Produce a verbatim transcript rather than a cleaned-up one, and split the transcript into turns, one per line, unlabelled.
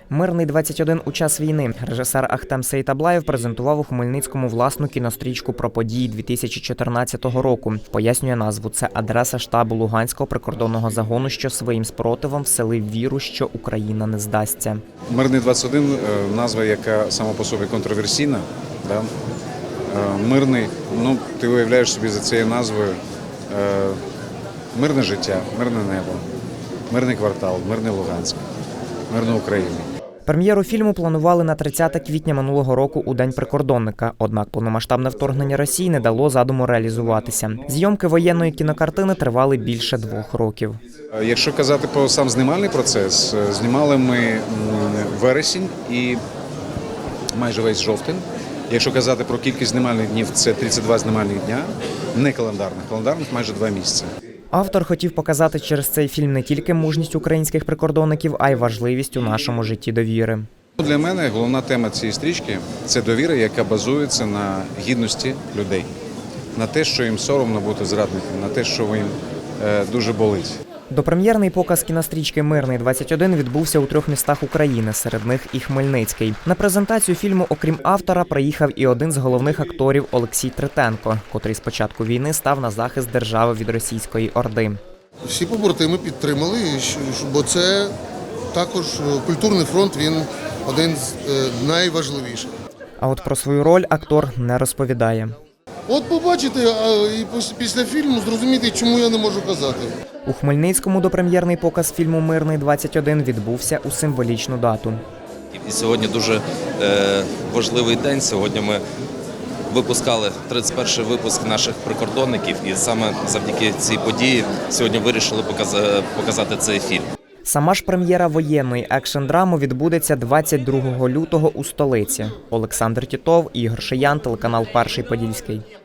Мирний двадцять один у час війни. Режисер Ахтем Сейтаблаєв презентував у Хмельницькому власну кінострічку про події дві тисячі чотирнадцятого року. Пояснює назву. Це адреса штабу Луганського прикордонного загону, що своїм спротивом вселив віру, що Україна не здасться.
Мирний двадцять один – назва, яка сама по собі контроверсійна. Да? Мирний, ну, ти уявляєш собі за цією назвою мирне життя, мирне небо, мирний квартал, мирний Луганськ, мирна Україна.
Прем'єру фільму планували на тридцяте квітня минулого року у День прикордонника. Однак повномасштабне вторгнення Росії не дало задуму реалізуватися. Зйомки воєнної кінокартини тривали більше двох років.
Якщо казати про сам знімальний процес, знімали ми вересень і майже весь жовтень. Якщо казати про кількість знімальних днів, це тридцять два знімальних дня, не календарних, календарних майже два місяці.
Автор хотів показати через цей фільм не тільки мужність українських прикордонників, а й важливість у нашому житті довіри.
Для мене головна тема цієї стрічки – це довіра, яка базується на гідності людей, на те, що їм соромно бути зрадником, на те, що їм е, дуже болить.
Допрем'єрний показ кінострічки «Мирний двадцять один» відбувся у трьох містах України, серед них і Хмельницький. На презентацію фільму, окрім автора, приїхав і один з головних акторів Олексій Третенко, котрий з початку війни став на захист держави від російської орди.
Всі побратими підтримали, бо це також культурний фронт, він один з найважливіших.
А от про свою роль актор не розповідає.
От побачите, і після фільму зрозуміти, чому я не можу казати.
У Хмельницькому допрем'єрний показ фільму «Мирний двадцять один» відбувся у символічну дату.
І сьогодні дуже е, важливий день. Сьогодні ми випускали тридцять перший випуск наших прикордонників, і саме завдяки цій події сьогодні вирішили показати, показати цей фільм.
Сама ж прем'єра воєнної екшн-драми відбудеться двадцять другого лютого у столиці. Олександр Тітов, Ігор Шиян, телеканал «Перший Подільський».